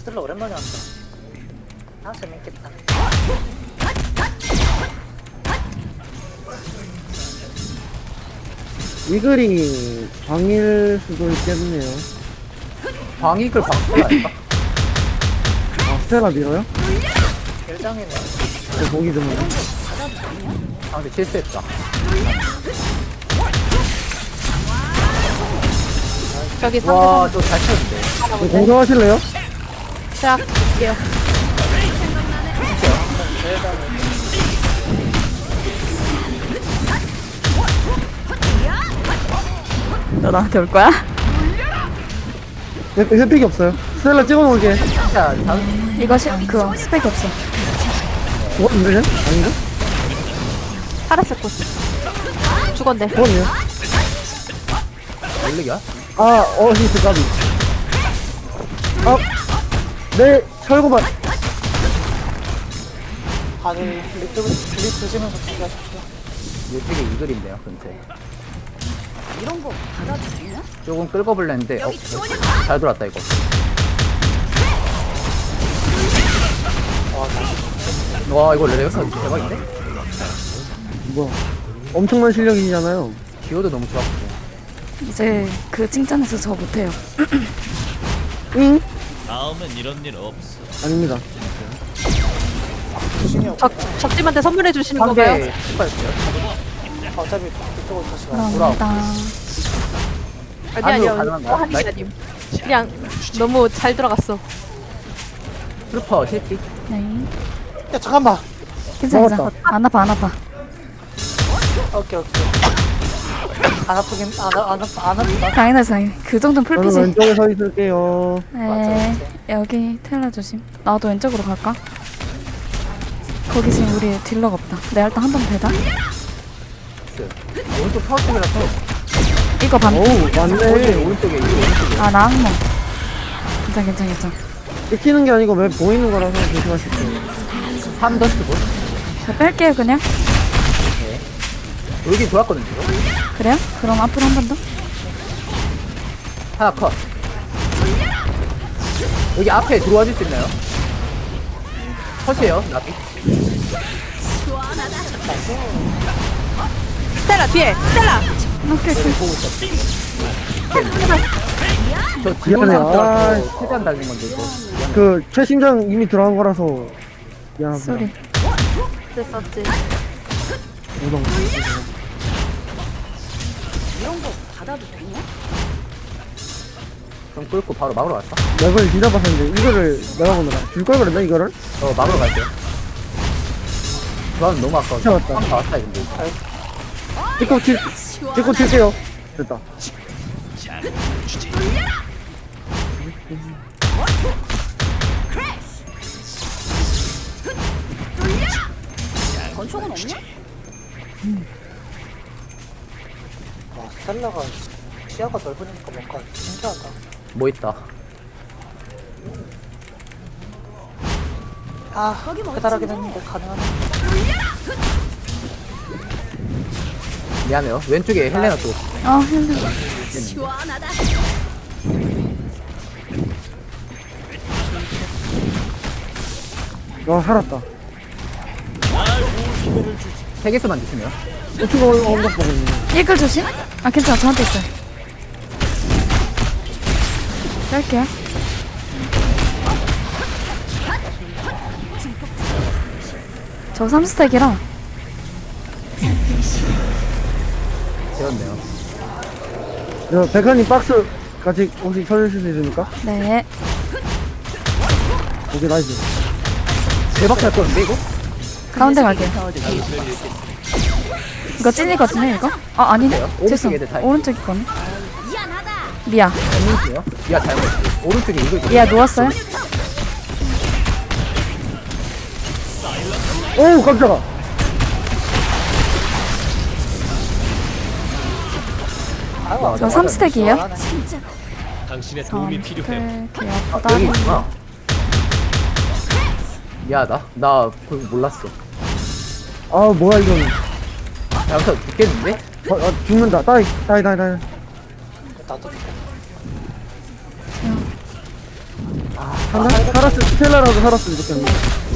스텔라 오랜만에 한다. 아 재밌겠다. 이글이 방일 수도 있겠네요. 방익을 방스텔라 아닐까? 아, 스테라 밀어요? 일장이네. 보기 드문네. 상대 실수했다. 저기 상대 와, 저 잘 쳤는데. 공성하실래요? 시작할게요. 너 나한테 올 거야? 햇빛이 없어요. 스텔라 찍어놓을게. 진짜 다음 이거 그거 스펙이 없어. 죽었는데? 아닌가? 파란색 꽃. 죽었네. 죽었네요. 원래야? 아, 히트 까비. 아, 네, 철거반. 다들 립 드시면서 준비하십시오. 이쪽에 이글인데요, 근처에. 이런 거 받아도 되냐? 조금 끌고 볼랬는데, 잘 돌았다, 이거. 와, 이거 레벨가 대박인데? 뭐야. 엄청난 실력이잖아요. 기어도 너무 좋았고. 이제 그 칭찬해서 저 못해요. 응? 다음엔 이런 일 없어. 아닙니다. 조심히 없고. 적팀한테 선물해 주시는 건가요? 상대 축하했어요. 어차피 그쪽으로 다시 가. 감사합니다. 아니 안으로 아니요. 가능한가요? 한이 아님. 그냥 너무 잘 들어갔어. 슬퍼, 실기. 네. 야 잠깐만. 괜찮아. 먹었다. 안 아파 안 아파. 오케이. 안 아프긴 안 아프다. 당연하지 당연히. 그 정도는 저는 풀피지. 왼쪽에 서 있을게요. 네. 여기 텔라 조심. 나도 왼쪽으로 갈까? 거기 지금 우리 딜러가 없다. 내가 일단 한 번 대다. 오른쪽 파워 쪽이라서. 이거 반. 오우, 맞네. 오른쪽에, 이거 오른쪽에. 아 나 항목. 괜찮. 찍히는 게 아니고 왜 보이는 거라서 조심하실게요. 3더스트 볼. 저 뺄게요 그냥. 여기 좋았거든, 지금. 그래요? 그럼 앞으로 한 번 더. 하나 컷. 여기 앞에 들어와 줄 수 있나요? 컷이에요, 나비. 스텔라 뒤에. 스텔라. 오케이. 저 미안해요. 아, 뒤로 최대한 달린 건데, 이거. 그, 최신장 이미 들어간 거라서. 미안합니다. 쏘리. 됐었지. 우동. 이런 거 받아도 되냐? 좀 끌고 바로 막으러 갈까? 맵을 뒤잡았는데, 이거를 내가 보느라. 줄걸 그랬나, 이거를? 막으러 갈게요. 조합은 너무 아까워. 잡았다. 다 왔다, 근데. 찍고 칠게요. 됐다. 권총은 없냐? 와 스텔라가 시야가 넓으니까 뭔가 신기하다. 뭐 있다. 아 배달하긴 했는데 가능하네. 미안해요. 왼쪽에 헬레나 쪽. 힘들어. 와, 살았다. 3개수만 주시면. 우측 언덕 보고 있네. 이글 조심. 아 괜찮아 저한테 있어요. 뺄게요. 저 3스택이라 재웠네요. 저, 백현님 박스 같이 혹시 쳐주실 수 있습니까? 네. 오케이, 나이스. 대박 잘 거는데, 이거? 가운데 갈게요. 이거 찐이거든요 이거? 아 아니네. 그래요? 오른쪽 죄송. 애들 다 오른쪽 있거든. 미야. 잘못이에요? 미아 잘못. 오른쪽에 이거 있거든요. 미야 누웠어요? 오우, 깜짝아. 아유, 저 3스택이에요? 당신의 도움이 필요해. 개 아프다. 여기 있구나. 미안하다. 나 그거 몰랐어. 아, 뭐야, 이건. 잘못하면 죽겠는데? 죽는다. 따이. 나도 살았어. 스텔라라도 살았으면 좋겠네.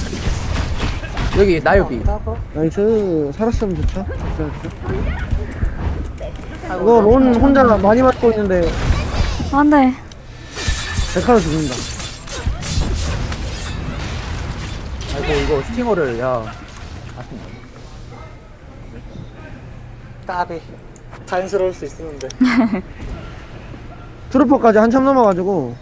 여기 나유비. 하고. 나이스. 살았으면 좋죠. 이거 론 혼자 많이 맞고 있는데 안 돼. 백화로 죽는다. 아이고 이거 스팅어를 야. 아쉽네. 까비. 자연스러울 수 있었는데. 트루퍼까지 한참 넘어가지고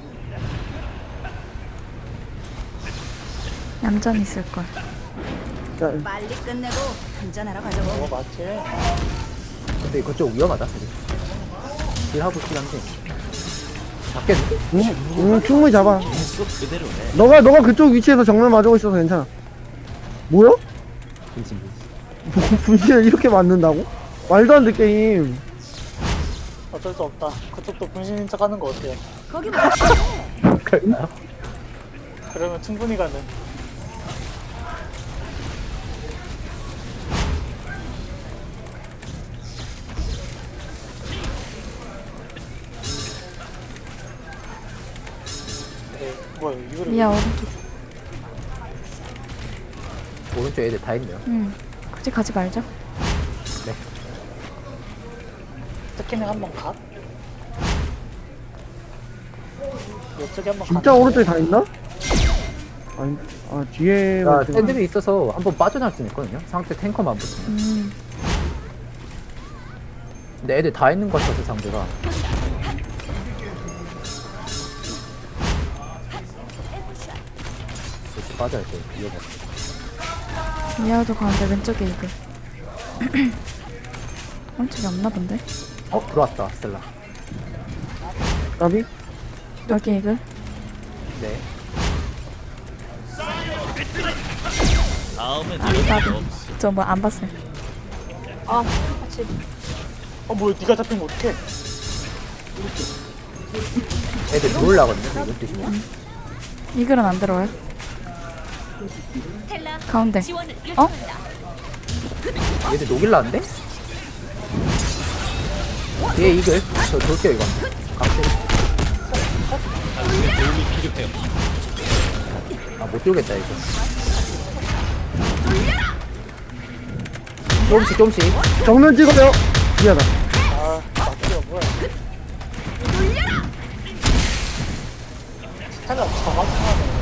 얌전히 있을걸. 자, 빨리 끝내고 한잔하러 가자고. 맞지? 근데 이거 좀 위험하다. 딜하고 싶긴 한데. 잡겠는데? 충분히 잡아. 계속 그대로 해. 너가 그쪽 위치에서 정면 맞고 있어서 괜찮아. 뭐야? 진심. 분신을 이렇게 맞는다고? 말도 안 돼 게임. 어쩔 수 없다. 그쪽도 분신인 척 하는 거 어때요? 거기 뭐? 그럴까요? 그러면 충분히 가는. 뭐야 이거를 미야 오른쪽. 오른쪽 애들 다 있네요. 굳이 가지 말자. 스캐닝 한번 가? 이쪽에 한번 진짜 오른쪽에 다 있나? 아니, 뒤에 야, 샌드이 있어서 한번 빠져나올 수 있거든요. 상대 탱커만 붙으면. 근데 애들 다 있는 것 같아서 상대가. 그래서 빠져야 돼. 위험해. 미야도 가는데 왼쪽에 이글. 오른쪽에 없나 본데? 들어왔다, 스텔라. 까비? 여기 이글. 네. 다음엔 아, 이런 일 나도. 없어. 저 뭐 안 봤어요. 뭐야 니가 잡히면 어떡해? 애들 들어올라거든요. 이거 드시면. 이글은 안 들어와요. 가운데. 어? 얘들 녹일라는데? 뒤에 이글. 저 돌게요, 이거. 갑자기. 당신의 도움이 필요해요. 못 돌겠다, 이거. 조금씩. 정면 찍어요. 미안하다. 아 맞지가 뭐야? 스텔라 정확하네.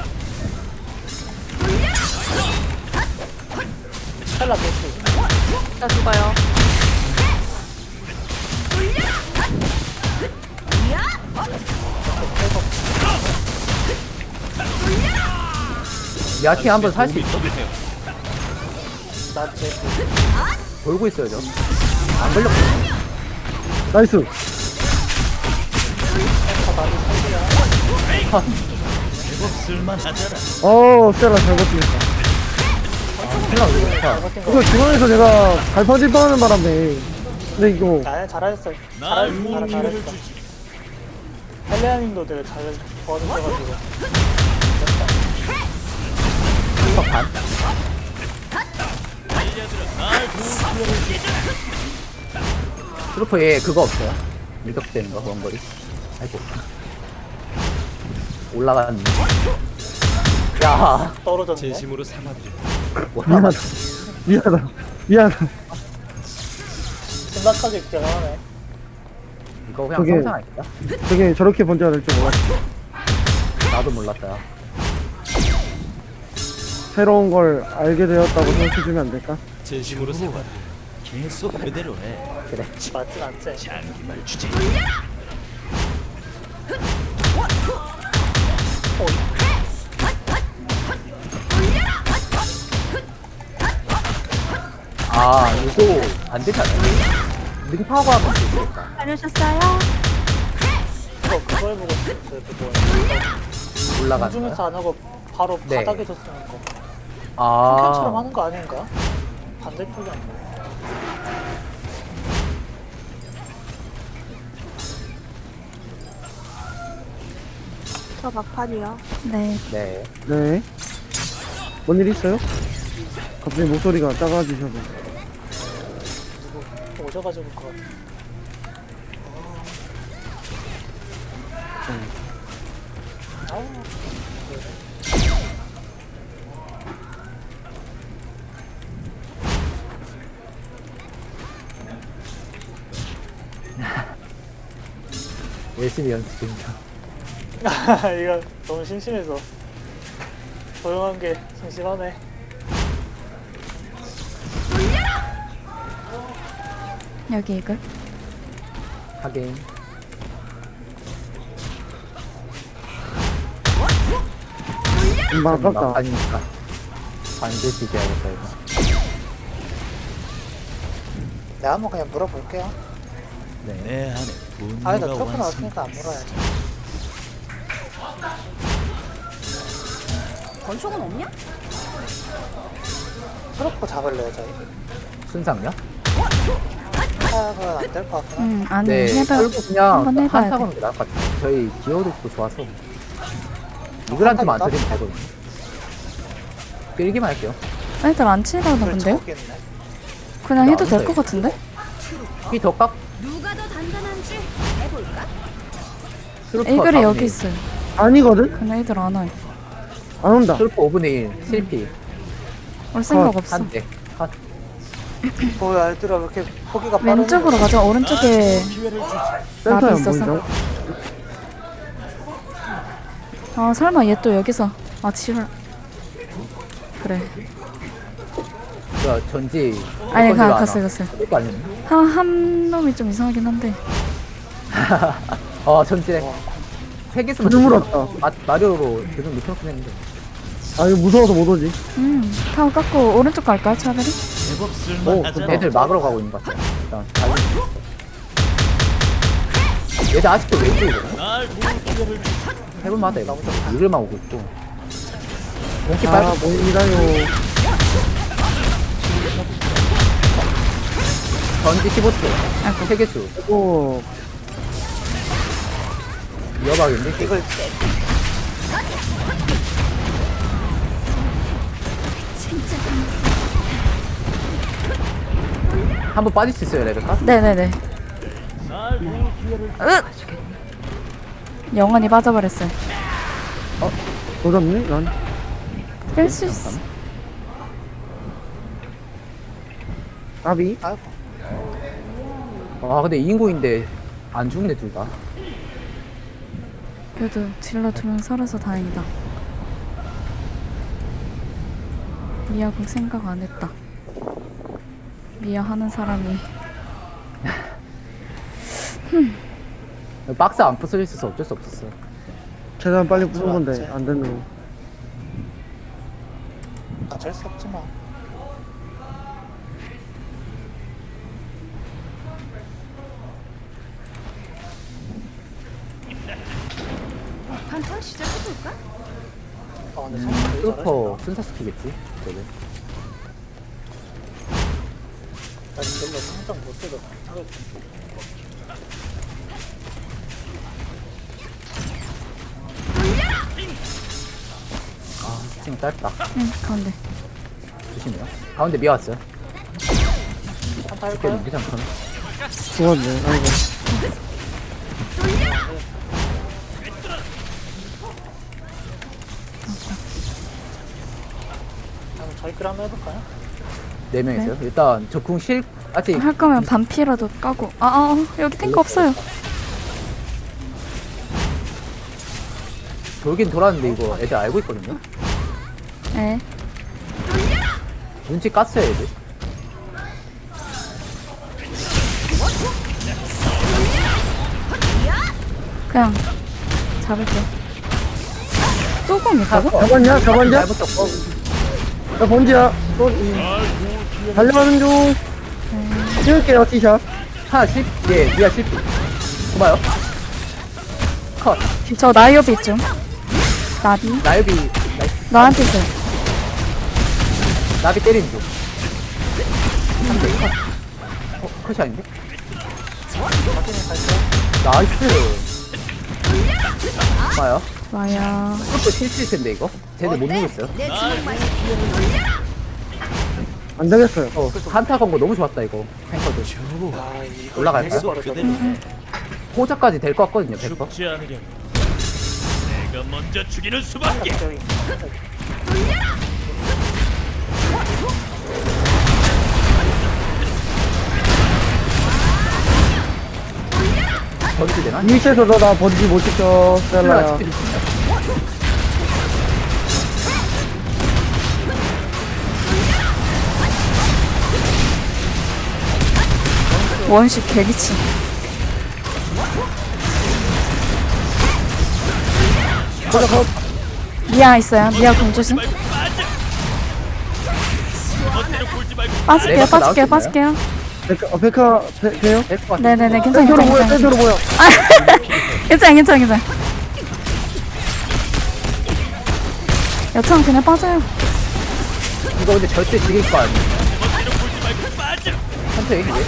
스텔라 개수. 나 죽어요. 야티 한번 살 수 도움이 있어? 필요해요. 나 개수. 돌고 있어요, 저. 안 걸렸거든요. 나이스. 제법 쓸만하잖아. 스텔라 잘 버티겠다. 스텔라 왜 좋다. 이거 중앙에서 내가 갈팡질팡하는 바람에 근데 이거 잘하셨어요. 날 도움을 잘했어. 주지. 헬레아님도 되게 잘 도와주셔가지고. 반. 트루퍼 얘 그거 없어요? 밀격되는 거, 원거리. 아이고. 올라가는. 야, 떨어졌네. 진심으로 삼아드려. 올라가는. 미안하다. 심각하게 기억하네. 이거 그냥 저게- 성장 아닐까? 저게 저렇게 번째가 될 줄 몰랐어. 나도 몰랐다. 새로운 걸 알게 되었다고 생각해주면 안 될까? 진심으로 삼아드려. 계속 그대로 해. 그래. 맞진 않지. 장기말 주제. 이거 안 되잖아. 능파고 하면 되겠다. 다녀오셨어요? 그거 해보고 싶었어요. 그거. 올라가는 공중에서 거야? 안 하고 바로 네. 바닥에서 쓰는 거. 챔피언처럼 아, 하는 거 아닌가? 반대쪽이 아니야. 저 막판이요. 네. 네. 네. 뭔 일 있어요? 갑자기 목소리가 작아지셔서. 오셔가지고 그거. 열심히 연습 중이다. 이거 너무 심심해서 조용한 게 심심하네. 여기 이글. 하긴. 금방 아깝다. 아니니까 반드시 이겨야겠다 이거. 내가 한번 그냥 물어볼게요. 내 안에 아니 나 분노가 트로프 완성. 나왔으니까 안 물어야지. 권총은 없냐? 트로프 잡을래요 저희? 순상이야? 아 그건 안 될 것 같긴 한데. 아니 네, 해봐. 결국 그냥 한번 해봐야 한타 돼. 거는 게 나을 것 같아요. 저희 기어력도 좋아서 이글한테만 안 때리면 되거든요. 때리기만 할게요. 애들 안 치려나 그걸 본데요? 적겠네. 그냥 해도 될 나온다, 것 같은데? 더 깎. 누가 더 단단한지 해볼까? 이글이 여기 있어요. 아니거든? 그냥 애들 안 와요. 안 온다. 슬프 5분의 1 실피 올 생각 없어. 한대 컷. 뭐야 얘들아 왜 이렇게 포기가 빠르냐. 왼쪽으로 가자. 오른쪽에 센터에 나비 안 있어서. 보인다. 아 설마 얘 또 여기서. 아 지랄. 그래. 야 전지 아니 건지가 않아. 갔어요. 그거 아니었나? 한 놈이 좀 이상하긴 한데. 전지래 세 개 쓰면 눈 물었다. 마리오로 계속 눕혀놓긴 했는데 아, 이거 무서워서 못 오지. 타워 깎고 오른쪽 갈까요 차라리? 제법 오 쓸만하잖아. 애들 막으러 가고 있는 것 같아. 일단 달리 얘들 아직도 왼쪽이거든. 날 도울 기회를 주지. 해볼만하다 이거. 이글만 오고 있고 공기 아, 빨리 보인다요. 전지 15초 아이고. 세개수 오, 이어가겠는데? 이걸 한번 빠질 수 있어요 레베카? 네네네. 날 도울 기회를 영원히 빠져버렸어요. 도잡네? 난. 뺄 수 있어. 아비? 아이고 아 근데 2인구인데 안 죽네 둘 다. 그래도 딜러 2명 살아서 다행이다. 미아국 생각 안 했다. 미아 하는 사람이 박스 안 부서져 있어서 어쩔 수 없었어. 최대한 빨리 부순 건데, 안 되는 거. 어쩔 수 없지 뭐. 한판 시작해볼까? 근데 성공 되게 슈퍼 잘하신다. 순사 시키겠지? 저는. 나 진짜 상장 못 때려. 지금 짧다. 응 가운데. 조심해요. 가운데 미아 왔어요. 한타 이렇게 할까요? 넘기지 않거든. 죽었네. 아이고. 그럼 저희끼리 한번 해볼까요? 4명 있어요. 일단 적궁 실 아직 할 거면 반피라도 까고. 여기 탱크 없어요. 돌긴 돌았는데 이거 애들 알고 있거든요. 네. 눈치 깠어요 애들. 그냥 잡을게요. 뚜껑 있다고? 잡았냐? 잡았냐? 잘 붙었고. 나 번지야. 또, 달려가는 중. 찍을게요, 티샷. 하나 실, 예, 미아 실패. 고마요. 컷. 저 나이오비 좀. 나비. 나유비, 나이스. 너한테 있어요. 나비 때리는 중. 3대 컷. 컷이 아닌데? 나이스. 고마요. 와야. 이것도 실수일 텐데, 이거. 쟤들 못 누겠어요. 내 주먹만 안 되겠어요. 한타 건거 너무 좋았다, 이거. 탱커들. 아 이거 올라갈까요? 계속 그대로 해. 호자까지 될 것 같거든요, 100%. 죽지 않으려. 내가 내가 먼저 죽이는 수밖에. 저기. 버리지 되나? 위치에서 나 번지 못 지켜, 셀라야. 지킬 수 있나? 원식 개기치. 미아 있어요. 미아 공조심. 멋대로 굴지 말고 빠질게요. 레버스 빠질게요. 나올 빠질게요. 백화, 돼요? 될것 같아. 네네네. 괜찮아. 센터로 괜찮아. 모여, 괜찮아. 센터로 모여. 괜찮아. 괜찮아. 괜찮아. 여차는 그냥 빠져요. 이거 근데 절대 지길 거 아니야. 멋대로 굴지 말고 빠져. 선택 왜?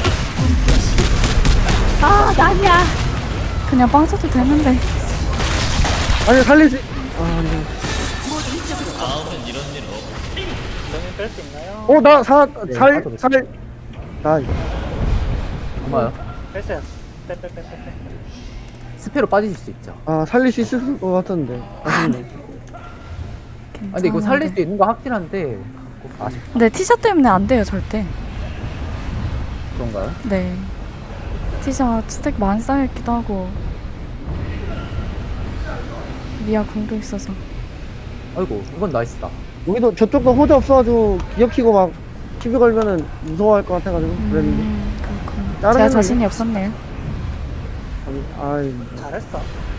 아, 난이야. 그냥 빠져도 되는데. 아니, 살릴 수, 아, 네. 다음은 이런 일 없. 너님 뺄수 있나요? 나 네, 살, 맞아. 살. 나, 고마워요. 뺐어요. 빼. 스페로 빠지실 수 있죠. 살릴 수 있을 것 같은데. 아쉽네. 아, 근데 이거 살릴 수 있는 거 확실한데 아쉽 네, 티샷 때문에 안 돼요, 절대. 그런가요? 네. 티샷 스택 많이 쌓여있기도 하고. 미아 궁도 있어서. 아이고 이건 나이스다. 여기도 저쪽도 호재 없어가지고 기어키고 막 TV 걸면은 무서워할 것 같아가지고 그랬는데. 그렇구나. 다른 제가 애는 자신이 없었네요. 아이, 잘했어.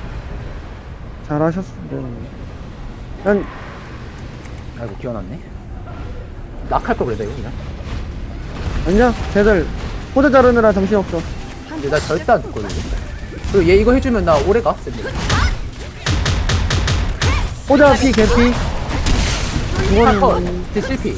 잘하셨습니다. 난 아이고 기어났네. 낙할 걸 그래도 이거 그냥. 아니야, 쟤들 호재 자르느라 정신없어. 근데 나 절대 안 듣거든. 그리고 얘 이거 해주면 나 오래 가. 쌤들. 호재 피, 개피. 컷. 이거는 제 실패.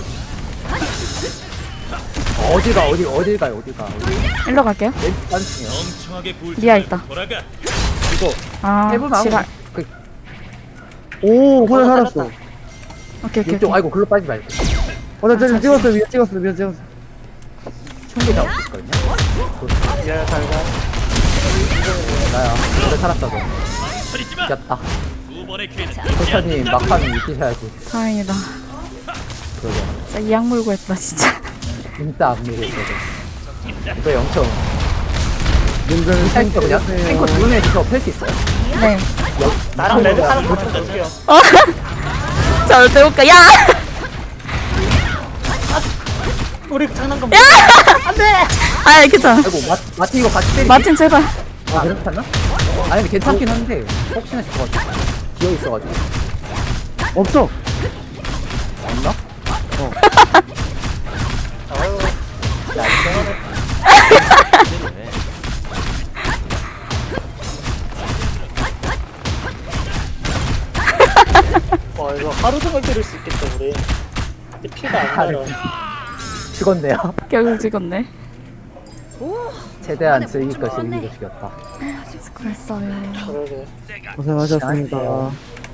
어딜 가요? 어딜 가? 일로 갈게요. 왼쪽 단층이요. 멍청하게 굴지 미아 말고 있다. 돌아가. 이거 아, 해보면 지랄. 하고. 그 오, 호재 살았어. 오케이, 오케이, 왼쪽 오케이. 아이고 글로 빠지지 말고. 나 쟤 찍었어, 위에 찍었어. 충분히 잡을 수 있거든요. 예, 잘 가. 나야. 오래 살았다 너. 소리지 마. 이겼다. 두 번의 기회는 호차님 막판 이기셔야지. 다행이다. 그러게. 진짜 이악 물고 했다, 진짜. 진짜 안 밀고 있어서. 이거 영청. 님들 탱커 그냥 탱커 두 명이서 펼수 있어요. 네. 나랑 레드 사람 같은 거 줄게요. 자, 어때 볼까? 야! 우리 장난감. 아, 괜찮아. 아이고 마틴 이거 같이 때리기. 마틴, 제발. 아 괜찮나? 아니 근데 괜찮긴 한데 혹시나 싶어가지고 기어 있어가지고 없어. 없나? 아유, 이거 하루 종일 때릴 수 있겠다, 우리. 근데 피가 안 나요. 죽었네요. 결국 찍었네. 최대한 즐길 거 즐기고 죽였다. 수고했어요. 그러게. 고생하셨습니다.